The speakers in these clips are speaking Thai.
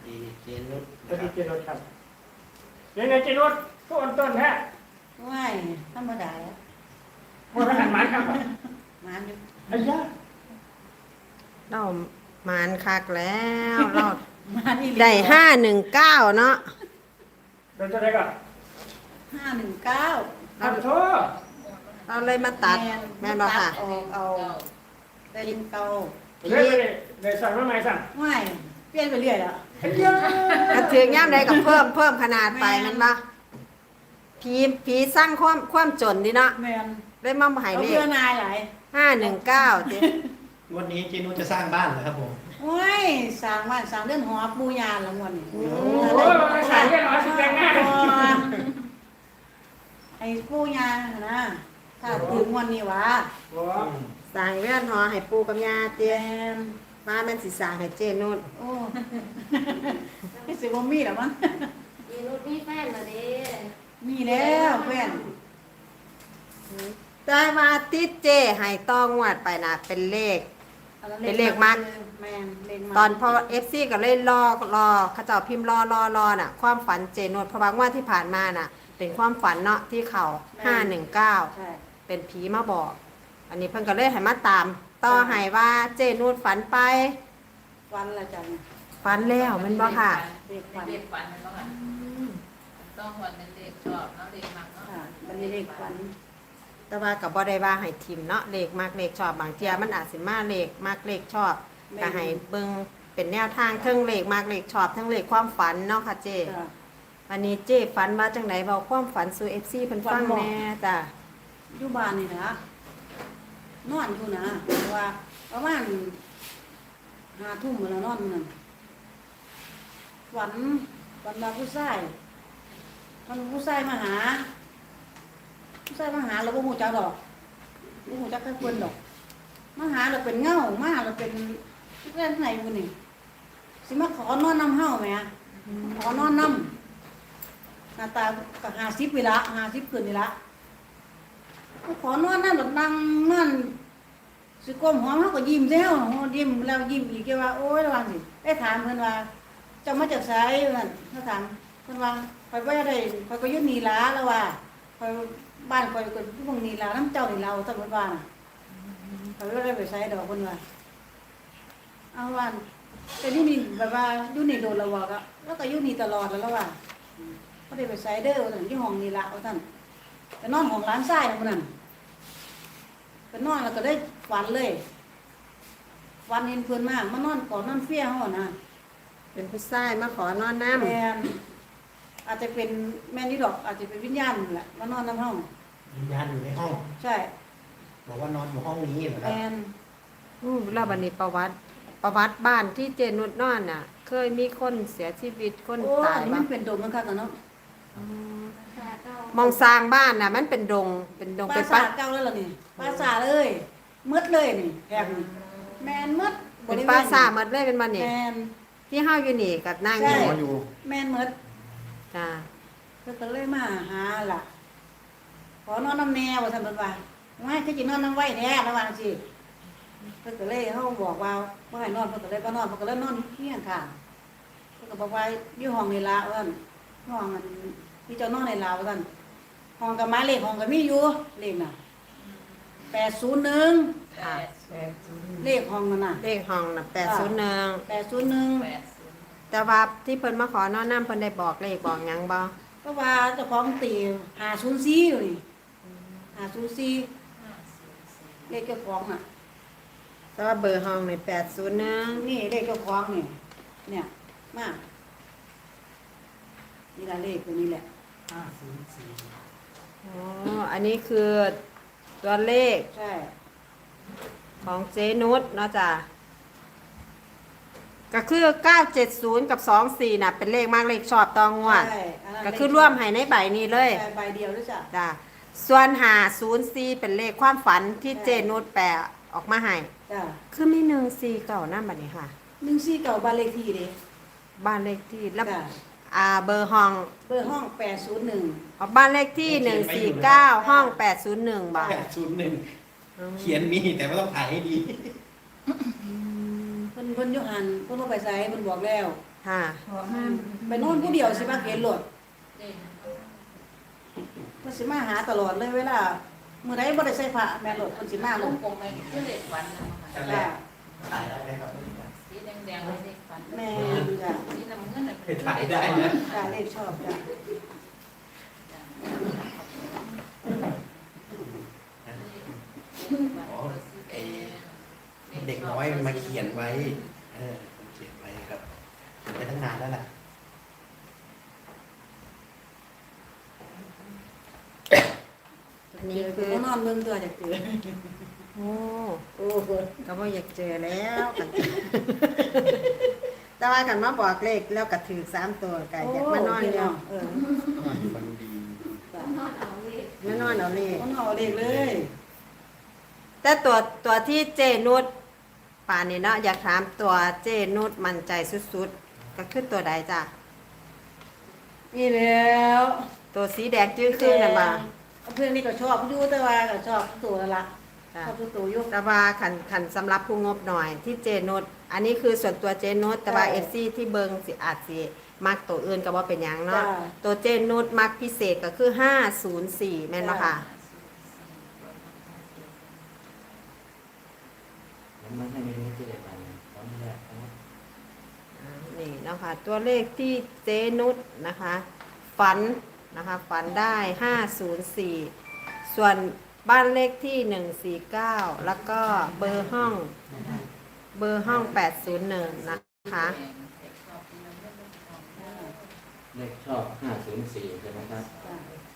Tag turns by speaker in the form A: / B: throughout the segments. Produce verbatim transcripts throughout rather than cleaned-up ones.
A: ดีเจนุช
B: สวัสดีเจนุชครับยังไงเจนุชก็อ่อนต้นแท้
C: ไม่ธรรมดาแล้ว
B: มันขนาดหมายครับ
C: มาอยู่
B: ไอ้ยา
D: เราหมานคักแล้วเรา
C: มาที่
D: ได้ห้าหนึ่งเก้าเนาะ
B: เดี๋ยวจะได้ก่อน
C: ห้าหนึ่งเก้า
B: ทำโทษ
D: เราเลยมาตัดแม่นบ่ค่ะ
C: ออกเอาได้ลิงเก่า
B: เรื่อยไปเดี๋ยวสั่งว่าไงสั่ง
C: ไม่เปลี่ยนไปเรื่อยแล้ว
B: ไอ้ยาก
D: ระเทียมย่ำใดกับเพิ่มเพิ่มขนาดไปแมันบ่ผีผีสร้างความความจนดีเนาะ
C: แมน
D: ได้มาใหาย
C: เอา
D: เล
C: เพื่
D: ข
C: อนายหลาย
D: ห้าหนึ่งเก้าเจ๊
A: วันนี้เจนุชจะสร้างบ้านเหรอครับผม
C: โอ้ยสร้างบ้านสร้างเรือนหอปูยานละมวนนี่
B: โอ้ยสั่งแค่ร้อยสิบแปดหน้า
C: ไอ้ปูยานนะถ้าถึงวันนี้วะ
B: โอ้
D: สร้างเรือนหอให้ปูกับยา
C: แม
D: เตี้ย
C: น
D: มาแม่นสิสร้างให้เจนุช
C: โอ้ไม่สิบ่มีหรอมั้ง
E: ยีนุชมีแฟนมาดิ
C: มีแล้วเพื่อน
D: แต่ว่าติดเจให้ต้องงวดไปนะเป็นเลข เป็นเลขมัด
C: แมนเลขมัด
D: ตอนพอเอฟซีก็เลยรอรอเขาเจ้าพิมพ์รอรอรอน่ะ ความฝันเจนุชเพราะว่างวดที่ผ่านมาน่ะ เป็นความฝันเนาะที่เขาห้าหนึ่งเก้า
C: ใช่
D: เป็นผีมาบอก อันนี้เพิ่นก็เลยให้มาตาม ต่อให้ว่าเจนูดฝันไป
C: วันละจัน
D: ฝันแล้วแมันบ่ค่ะ
C: เลขวัน
E: เด็กฝันมันบ้างอ่ะต้องวันเป็นเด็กชอบเนาะเด็กมักเนาะ
C: ค่ะวันนี้เลขวัน
D: แต่ว่ากับบ่ได้ว่าให้ทิมเนาะเลขมากเลขชอบบางเทียมันอาจสิมาเลขมากเลขชอบก็ให้เบิ่งเป็นแนวทางเทั้งเลขมากเลขชอบทั้งเลขความฝันเนาะค่ะเจ
C: จ้ะ
D: วันนี้เจฝันว่าจังไดเว้าความฝันสู่ เอฟ ซี เพิ่นฟังแหน่จ้ะ
C: อยู่บ้านนี่นะนอนอยู่นะเพราะว่าประมาณห้าทุ่มแล้วนอนนั่นฝันฝันว่าผู้ชายมันผู้ชายมาหา ผู้ชายมาหาเราบ่ฮู้จักดอกบ่ฮู้จักแค่เพิ่นดอกมาหาเราเป็นเงามาเราเป็นเพื่อนไหนอยู่นี่สิมาขอนอนนำเฮาแหมขอนอนนำหน้าตาก็ห้าสิบเวลาห้าสิบขึ้นนี่ละขอนอนนั่นแบบนั่งนั่นสิก้มหัวเขาก็ยิ้มแล้วยิ้มแล้วยิ้มอีกแกว่าโอ้ยระวังสิได้ถามเพิ่นว่าเจะมาจากไสนั่นเขาถามเพิ่นว่าไปบ่ได้ไปก็อยู่นี่ล่ะแล้วว่าไปบ้านไปก็อยู่ตรงนี้ล่ะน้ำเจ้านี่เราซั่นเพิ่นว่าน่ะไปบ่ได้ไปไสดอกเพิ่นว่าเอาว่าแต่อยู่นี่แบบว่าอยู่นี่โดนแล้วว่าก็แล้วก็อยู่นี่ตลอดแล้วแล้วว่าบ่ได้ไปไสเด้อว่าซั่นอยู่ห้องนี่ล่ะว่าซั่นไปนอนห้องร้านทรายนั่นพุ่นนั่นไปนอนแล้วก็ได้ฝันเลยฝันเห็นเพิ่นมามานอนกอดนอนเฟี้ยเฮาน่ะ
D: เป็นผู้ชายมาขอนอนน้ำ
C: แม่นอาจจะเป็นแม่นี่ดอก อาจจะเป็นวิญญาณนั่นแหละมานอนในห้อง
A: วิญญาณอยู่ในห้อง
C: ใช่
A: บอกว่านอนอยู่ห้องนี้เหรอค
C: แม
A: รับ
C: น
D: อู้แล้วบัดนี้ประวัติประวัติบ้านที่เจนุดนอนน่ะ เคยมีคนเสียชีวิตคน
C: โอ้
D: ตา
C: อั
D: ย
C: นนี้
D: บ้า
C: มันเป็นโดมมันคักกันเนาะ
D: มองสร้างบ้านน่ะ มันเป็นดง เป็นดง
C: ป
D: เป็
C: ราน
D: ปะ
C: สาทเก่าแล้วล่ะนี่ปราสาทเลยมืดเลยนี่แอบนี่แมนมืด
D: เป็นปราสาทหมดเลยเป็นมันนี่
C: แมน
D: ที่เฮาอยู่นี่กับนาง
C: ใช่
D: นี่
A: นอนอยู่
C: แมนมืด
D: จ้า
C: เพิ่นก็เลยมาหาล่ะ ขอนอนน้ำแนวว่าซั่นเพิ่นว่าไม่คือสินอนน้ำไว้แท้ระวังสิเพิ่นก็เลยเฮาบอกว่าบ่ให้นอนเพิ่นก็เลยบ่นอนเพิ่นก็เลยนอนเฮียงข้างเพิ่นก็บอกว่าอยู่ห้องนี่ล่ะว่าซั่นห้องมันที่เจ้านอนในลาวว่าซั่นห้องกับหมายเลขห้องก็มีอยู่เลขน่ะแปดศูนย์หนึ่ง
D: ค่ะ
C: เลขห้องนั่นน่ะ
D: เลขห้องน่ะแปดศูนย์หนึ่ง
C: แปดศูนย์หนึ่ง
E: แปดศูนย์
D: แต่ว่าที่เพิ่นมาขอนอนน้ำเพิ่นได้บอกเลขบอกหยังบ่
C: ก็ว่าเจ้าของตีห้าศูนย์สี่อยู่นี่ห้าศูนย์สี่
E: ห้าศูนย์สี่
C: เลขเจ้าของน่ะ
D: แต่ว่าเบอร์ห้องนี่แปดศูนย์หนึ่ง
C: นี่เลขเจ้าของนี่เนี่ยมานี่ละเลขตัวนี้แหละ
B: ห้าศูนย์สี่
D: อ๋ออันนี้คือตัวเลข
C: ใช่
D: ของเจนุชเนาะจ้ะก็คือเก้าเจ็ดศูนย์กับสองสี่น่ะเป็นเลขมากเลขชอบตองงวด
C: ใช่นนั้น
D: ก็คือร่วมให้ในใบนี้เลย
C: ใช่ใบเดียวด้วยจ้ะ
D: จ้ะส่วนหาศูนย์สี่เป็นเลขความฝันที่เจนุชแปลออกมาให้
C: จ้ะ
D: คือมีหนึ่งสี่เก่านั่นบัดนี้ค่ะ
C: หนึ่งสี่เก่าบ้านเลขที่เด้
D: บ้านเลขที่แล้ว
C: จ้ะ
D: อ่าเบอร์ห้อง
C: เบอร์ห้องแปดศูนย์หนึ่ง
D: อ๋อบ้านเลขที่หนึ่งสี่เก้าห้องแปดศูนย์หนึ่งบาท
A: แปดศูนย์หนึ่งเขียนมีแต่ไม่ต้องถ่ายให้ดี
C: เพิ่นเพิ่นอยุหันเพิ่นบ่ไปไสเพิ่นบอกแล้ว
D: ค่ะ
F: ขอห้าม
C: ไปนอนผู้เดียวสิมาเห็นรถ
E: เด่น
C: เพิ่นสิมาหาตลอดเลยเวลามื้อใดบ่ได้ใส่ผ้าแม่นรถเพิ่นสิมา
E: ล
C: ล
E: ง
C: ง
E: กลมไปคือเลขฝันนะ
A: กัน
E: ค่ะ
A: แรกถ่ายได้ไหมครับ
E: สีแดงๆเป็นเลขฝัน
C: แม่นจ้ะ
E: สีน้ำเงินน่ะ
A: เป็นถ่ายได้นะ
C: จ้ะเลขชอบจ้ะ
A: อ๋อไอเด็กน้อยมันมาเขียนไว้ เออมันเขียนไว้ครับเขียนไปตั้งนานแล้วแหละ
D: นี่คือ
C: บ่นอนเบิ่งตัวจักเตือ
D: โอ้
C: โอ้โห
D: ก็บ่อยากเจอแล้วกัน แต่ว่ากันมาบอกเลขแล้วก็ถือสามตัวก็อยากมานอนอยู่
C: เออ
A: มันดี
C: จ้ะ
D: มานอนเอาเลข
C: มันเอาเลขเลย
D: แต่ตัวตัวที่เจนุชป่านนี้เนาะอยากถามตัวเจนุชมั่นใจสุดๆ ก็คือตัวใดจ้ะ
C: นี่แล้ว
D: ตัวสีแดงจื้อคือน่ะบ่า
C: เพื่อนนี่ก็ชอบอยู่แต่ว่าก็ชอบตัวละละช
D: จ้ะ
C: อบตัวอยู่
D: แต่ว่าขันขันสำหรับผู้งบหน่อยที่เจนุชอันนี้คือส่วนตัวเจนุชแต่ว่า
C: ใช่
D: เอฟซีที่เบิงสิอาจสิมักตัวอื่นก็บ่เป็นหยังเนาะ
C: จ้ะ
D: ตัวเจนุชมักพิเศษก็คือห้าศูนย์สี่แม่นบ่ค่ะ
G: แล้วมันให้เมนูที่เด็ดไปตอนแรกนะ
D: อ่านี่เนาะคะตัวเลขที่เจนุชนะคะ ฝันนะคะฝันได้ห้าศูนย์สี่ส่วนบ้านเลขที่หนึ่งสี่เก้าแล้วก็เบอร์ห้องเบอร์ห้องแปดศูนย์หนึ่งนะคะ
G: เลขชอบห้าศูนย์สี่ใช่ไหมครับ
C: จ้ะ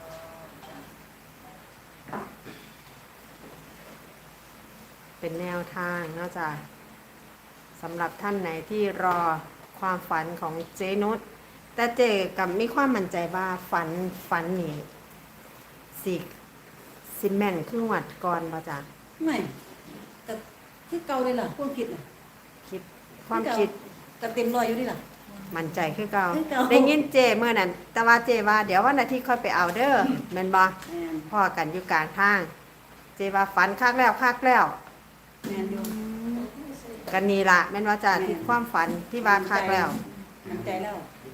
D: เป็นแนวทางเนอกจากสำหรับท่านไหนที่รอความฝันของเจนุชแต่เจกับมีความมั่นใจว่าฝันฝันนี่สิสิแม่นครึ่งวัดก่อนบ่จ้ะ
C: ไม่แต่คือเก่าเลยล่ะความคิดน่ะ
D: คิดความคิด
C: แต่เต็มร้อยอยู่นี่ล่ะ
D: มั่นใจคือเก่า
C: คือเก่า
D: ได้ยินเจเมื่อนั้นแต่ว่าเจว่าเดี๋ยววันอาทิตย์ค่อยไปเอาเด้อแม่นบ่
C: แม่น
D: พ่อกันอยู่กลางทาง เจว่าฝันคักแล้วคักแล้ว
C: แม่นอยู่
D: กันนี่ล่ะแม่นว่าจ้ะที่ความฝันที่ว่าคักแล้ว
C: มั่นใจแล้ว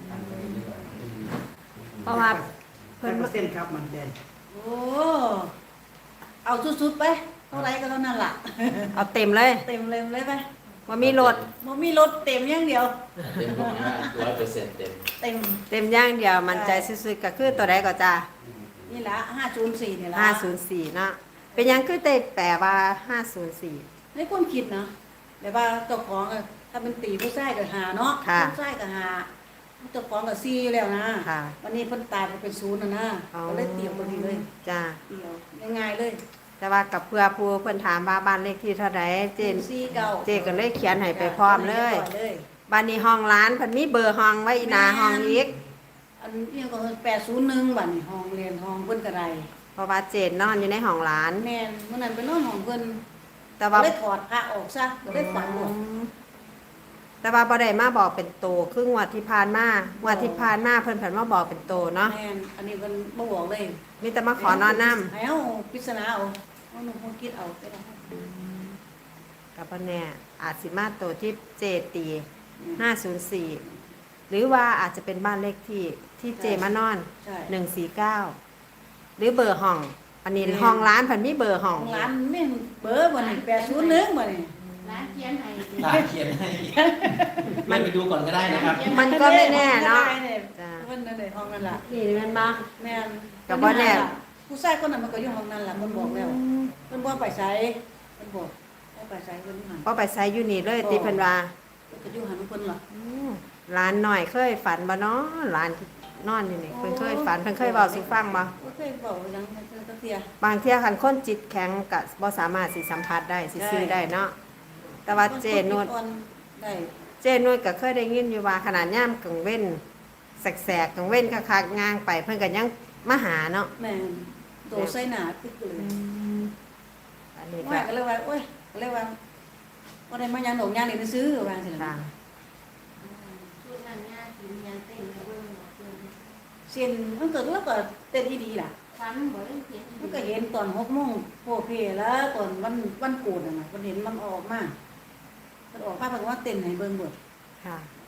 D: เพราะว่า
A: เพิ่นเปอร์เซ็นต์ครับมันเด่น
C: โอ้เอาสุดๆไปเท่าไรก็เท่านั้นล่ะ
D: เอาเต็มเลย
C: เต็มเลยเลยไป
D: ว่ามีรถ
C: บ่มีรถเต็มอย่างเดียว
G: เต็มบอกว่าร้อยเปอร์เซ็นต์เต็ม
C: เต็ม
D: เต็มอย่างเดียวมันใจสุดๆก็คือตัวใดก็จ้า
C: นี่ละห้าศูนย์สี่นี่ละ
D: ห้าศูนย์สี่เนาะเป็นหยังคือได้แปลว่าห้าศูนย์สี่
C: ในความคิดนะแบบว่าเจ้าของอะถ้าเป็นตีผู้ชายก็หาเนาะ
D: ค่ะ
C: ผู้ชายก็หาเจ้าของก็ซีอยู่แล้วนะ
D: ค่ะ
C: วันนี้เพิ่นตายไปเป็นศูนย์นะนะ
D: อ๋อ
C: ก็เลยเตรียมตัวนี้เลย
D: จ้า
C: เดียวง่ายๆเลย
D: แต่ว่ากับเพื่อผู้เพิ่นถามว่าบ้านเลขที่เท่าไหร่เจน
C: ซีเก่า
D: เจก็เลยเขียนให้ไปพร้อมเลย
C: เลย
D: บ้านนี้ห้องร้านเพิ่นมีเบอร์ห้องไว้อีหนาห้องอีก
C: อันนี้ก็แปดศูนย์หนึ่งบัดนี้ห้องเรียนห้องเพิ่นกระไร
D: เพราะว่าเจนนอนอยู่ในห้องร้าน
C: แม่นเมื่อนั้นไปนอนห้องเพิ่น
D: แต่
C: ก็
D: ว่า
C: เลยถอดพระออกซะก็เลยฝันหมด
D: แต่ว่าบ่ได้มาบอกเป็นโตครึ่งวันที่ผ่านมางวันที่ผ่านมาเพิ่นเพิ่นมาบอกเป็นโตเนาะ
C: แม่นอันนี้เพิ่นบ่บอกเลย
D: มีแต่มาขอนอนน้ำ
C: ให้เอาปริศนาเอาเอาหนูคงคิดเอาไปแล้ว
D: กับพ่อแน่อาจสิมาตัวที่เจตีห้าศูนย์สี่หรือว่าอาจจะเป็นบ้านเลขที่ที่เจมานอน
C: ใช่
D: หนึ่งสี่เก้าหรือเบอร์ห้อง อันนี้
C: แม่
D: ห้องร้านเพันมีเบอร์ห้อง
C: ของร้านแม่นเบอร์บ่นี่แปดศูนย์หนึ่งบ่นี่
F: ร้านเขียนให้
A: ตาเขียนให้มันไปดูก่อนก็ได้นะครับ
D: มันก็ไม่แน่เนาะ
C: ได้เนี่ย
D: จ้ะ
C: เพิ่นนั่นแหละห้องนั่นล่ะ
D: นี่แมันมา
C: แม่น
D: ก็บ่แน่
C: ผู้ชายคนนั้นมันก็อยู่ห้องนั้นล่ะเพิ่นบอกแล้วเพิ่นบ่ไปไสเพิ่นบอกบ่ไปไสเพิ่นอยู่หัน
D: พอไปใช้อยู่นี่เลยตีเพิ่นว่า
C: เพิ่นก็อยู่หันของเพิ่นล่ะ
D: อืมร้านหน่อยเคยฝันบ่เนาะร้านที่นอนอยู่นี่เพิ่นเคยฝันเพิ่นเคยเว้าสู่ฟังบ่
C: บ่เคยบอกหยังเพิ่นก็เสีย
D: บางเที่ยคันคนจิตแข็งก็บ่สามารถสิสัมผัสได้สิซื้อได้เนาะแต่ว่าเจนวด
C: อ่อนได้
D: เจนวดก็เคยได้ยินอยู่ว่าขนาดย่ามกลางเว้นแสกๆกลางเว้นคักๆงางไปเพิ่นก็ยังมาหาเนาะ
C: แม่นโตใส่หน้าปึ๊กเลย
D: อันนี้ก็
C: ว่าก็เลยว่าโอ้ยก็เลยว่าบ่ได้มาหยังดอกหยังนี่ไปซื้อว่าซั่น
D: ค่ะ
C: ล่ะ
F: ชุดนั้นย่าสิเรียนเต้นแล้วเบิ่งหมดเลย
C: เส้นมันก็แล้วก็เต้นอีดีล่ะ
F: ฟันบ่ได้เขียน
C: มันก็เห็นตอนหกโมงโพเพแล้วตอนวันวันโกนน่ะนะมันเห็นมันออกมามันออกมาเพิ่นว่าเต้นให้เบิ่งเบิด
D: ค่ะ
C: ส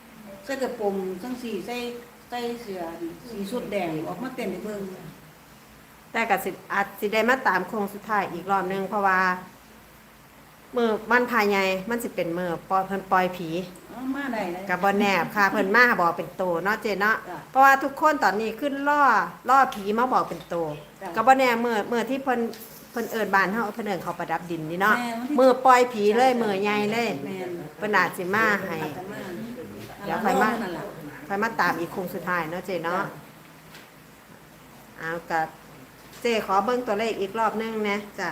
C: ใส่กระโปรงจังสีใส่ใส่เสื้อสีสุดแดงออกมาเต้นให้เบิ่ง
D: แต่ก็สิอาจสิได้มาตามโค้งสุดท้ายอีกรอบหนึงเพราะว่ามือวันพายใหญ่มันสิเป็นมือปล่อยเพิ่นปล่อยผี
C: เอามาได้เลย
D: กับบอแนบค่ะเพิ่นมาบอกเป็นโตเนาะเจเนาะ
C: จ้ะ
D: เพราะว่าทุกคนตอนนี้ขึ้นล่อล่อผีมาบอกเป็นโต
C: จ้ะ
D: กับบอแนบมือมือที่เพิ่นเพิ่นเอิ้นบ้านเฮาเพิ่นเอิ้นเขาประดับดินนี่เนาะ
C: แม่วันที่
D: มือปล่อยผีเลยมือใหญ่เลย
C: แม่น
D: เพิ่นอาจสิมาให้
C: อาจจะมา
D: เดี๋ยวค่อยมา
C: นั่นล่ะ
D: ค่อยมาตามอีกโค้งสุดท้ายเนาะเจเนาะเอากับเจขอเบิ่งตัวเลขอีกรอบหนึงนะจ้ะ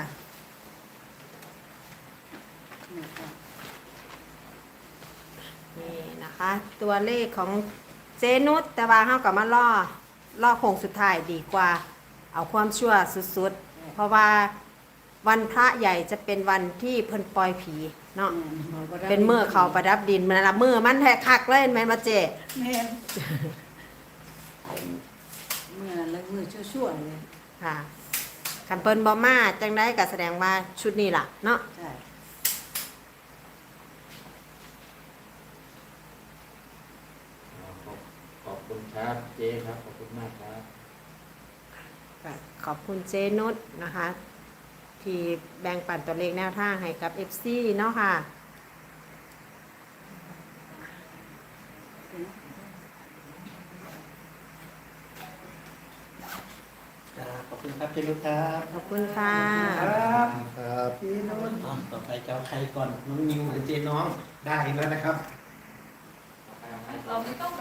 C: นี่ค่ะ
D: นี่นะคะ ตัวเลขของเจนุชแต่ว่าเฮากับมาล่อล่อโค้งสุดท้ายดีกว่า เอาความชั่วสุดๆ เพราะว่าวันพระใหญ่จะเป็นวันที่เพิ่นปล่อยผีเนาะเป็นเมื่อเขาประดับดินมันละมือมันแทกคักเลยแม่นบ่เจ
C: แม่นเมื่อนั้นเลยมือชั่วๆเลย
D: ค่ะคันเพิ่นบ่มาจังได๋ก็แสดงว่าชุดนี้ล่ะเนาะ
C: ใช่
G: ขอบขอบคุณครับเจ๊ครับขอบคุณมากครับ
D: ก็ขอบคุณเจนุชนะคะ ที่แบ่งปันตัวเลขแนวทางให้กับ เอฟ ซี เนาะค่ะ
A: จ้าขอบคุณครับเจนุชครับ
D: ขอบคุณค่ะ
A: ครับครับพี่นุชต่อไปจะเอาใครก่อนน้องนิวหรือเจน้องได้แล้วนะครับ